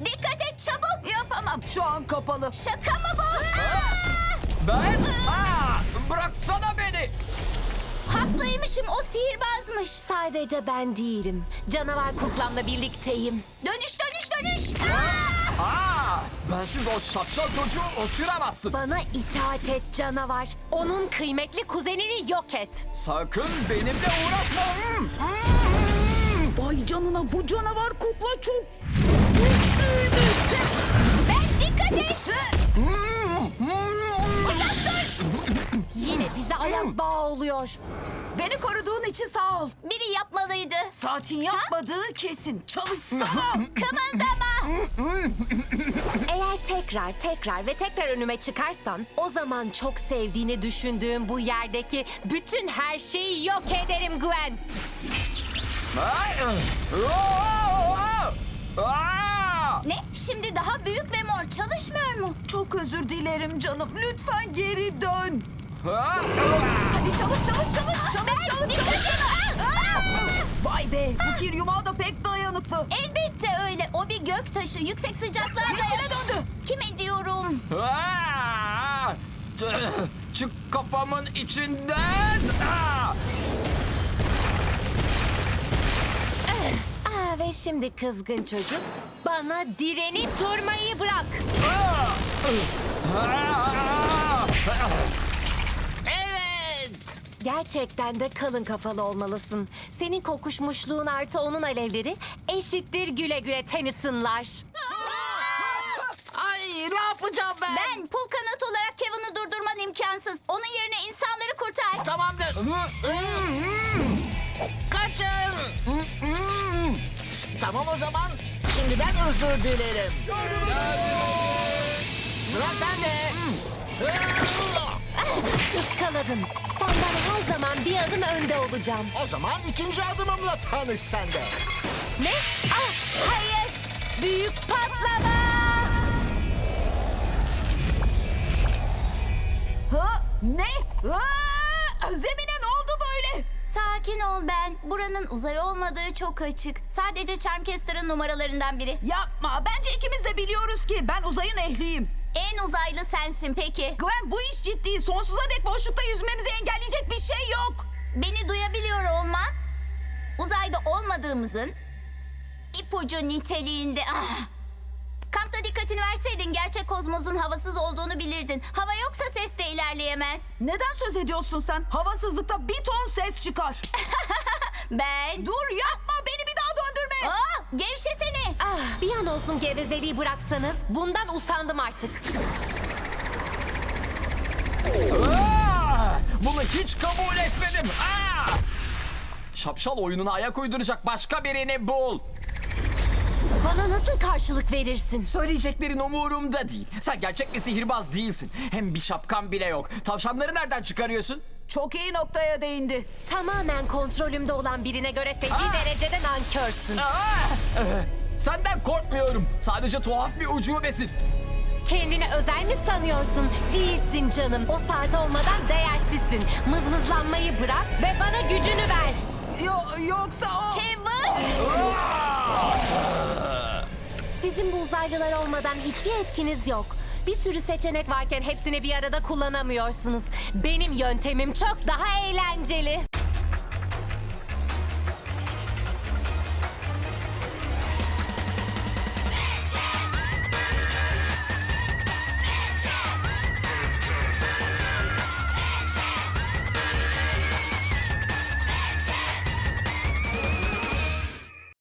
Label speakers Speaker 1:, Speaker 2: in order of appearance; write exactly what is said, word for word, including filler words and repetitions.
Speaker 1: Dikkat et çabuk.
Speaker 2: Yapamam. Şu an kapalı.
Speaker 1: Şaka mı bu?
Speaker 3: Ben? Aa, bıraksana beni.
Speaker 1: Haklıymışım, o sihirbazmış.
Speaker 4: Sadece ben değilim. Canavar kuklamla birlikteyim.
Speaker 1: Dönüş dönüş dönüş.
Speaker 3: Aa, bensiz o şapşal çocuğu uçuramazsın.
Speaker 4: Bana itaat et canavar. Onun kıymetli kuzenini yok et.
Speaker 3: Sakın benimle uğraşma. Hmm.
Speaker 2: Vay canına, bu canavar kukla çok güçlüymüş.
Speaker 1: Ben dikkat et.
Speaker 4: Yine bize ayak bağı oluyor.
Speaker 2: Beni koruduğun için sağ ol.
Speaker 1: Biri yapmalıydı.
Speaker 2: Saatin yapmadığı kesin. Çalışsana.
Speaker 1: Kımıldama.
Speaker 4: Eğer tekrar tekrar ve tekrar önüme çıkarsan o zaman çok sevdiğini düşündüğüm bu yerdeki bütün her şeyi yok ederim Gwen.
Speaker 3: Ay, aa, aa.
Speaker 1: Ne? Şimdi daha büyük ve mor çalışmıyor mu?
Speaker 2: Çok özür dilerim canım. Lütfen geri dön.
Speaker 3: Aa.
Speaker 2: Hadi çalış çalış çalış. Çalış çalış.
Speaker 1: Dikkat et.
Speaker 2: Vay be, bu kir yumağı da pek dayanıklı.
Speaker 1: Elbette öyle. O bir gök taşı. Yüksek sıcaklığa
Speaker 2: İçine
Speaker 1: dayan-
Speaker 2: döndü.
Speaker 1: Kime diyorum?
Speaker 3: Aa! Çık kafamın içinden. Aa!
Speaker 4: Aa, ve şimdi kızgın çocuk bana direnip durmayı bırak.
Speaker 3: Evet.
Speaker 4: Gerçekten de kalın kafalı olmalısın. Senin kokuşmuşluğun artı onun alevleri eşittir güle güle Tennyson'lar.
Speaker 2: Ay, ne yapacağım ben?
Speaker 1: Ben pul kanat olarak Kevin'i durdurman imkansız. Onun yerine insanları kurtar.
Speaker 2: Tamamdır. Kaçın. Tamam o zaman. Şimdiden özür dilerim. Sıra sende.
Speaker 4: Iskaladın. Senden her zaman bir adım önde olacağım.
Speaker 2: O zaman ikinci adımımla tanış sen de.
Speaker 4: Ne? Ah, hayır. Büyük patlama.
Speaker 2: Ha? Ne? Aa! Zemine ne oldu böyle?
Speaker 1: Sakin ol Ben. Buranın uzay olmadığı çok açık. Sadece Charmcaster'ın numaralarından biri.
Speaker 2: Yapma. Bence ikimiz de biliyoruz ki ben uzayın ehliyim.
Speaker 1: En uzaylı sensin peki.
Speaker 2: Gwen, bu iş ciddi. Sonsuza dek boşlukta yüzmemizi engelleyecek bir şey yok.
Speaker 1: Beni duyabiliyor olman uzayda olmadığımızın ipucu niteliğinde. Ah. Kampta dikkatini verseydin gerçek kozmosun havasız olduğunu bilirdin. Hava yoksa ses de ilerleyemez.
Speaker 2: Neden söz ediyorsun sen? Havasızlıkta bir ton ses çıkar.
Speaker 1: Ben...
Speaker 2: Dur, yapma. Beni bir daha döndürme.
Speaker 1: Aa, gevşesene.
Speaker 4: Ah, bir an olsun gevezeliği bıraksanız bundan usandım artık.
Speaker 3: Aa! Bunu hiç kabul etmedim. Aa! Şapşal oyununa ayak uyduracak başka birini bul.
Speaker 4: Bana nasıl karşılık verirsin?
Speaker 3: Söyleyeceklerin umurumda değil. Sen gerçek bir sihirbaz değilsin. Hem bir şapkan bile yok. Tavşanları nereden çıkarıyorsun?
Speaker 2: Çok iyi noktaya değindi.
Speaker 4: Tamamen kontrolümde olan birine göre feci
Speaker 3: Aa!
Speaker 4: derecede nankörsün.
Speaker 3: Aa! Ee, Senden korkmuyorum. Sadece tuhaf bir ucubesin.
Speaker 4: Kendini özel mi sanıyorsun? Değilsin canım. O saat olmadan değersizsin. Mızmızlanmayı bırak ve bana gücünü ver.
Speaker 2: Yo, yoksa o...
Speaker 1: Kevin!
Speaker 4: Sizin bu uzaylılar olmadan hiçbir etkiniz yok. Bir sürü seçenek varken hepsini bir arada kullanamıyorsunuz. Benim yöntemim çok daha eğlenceli.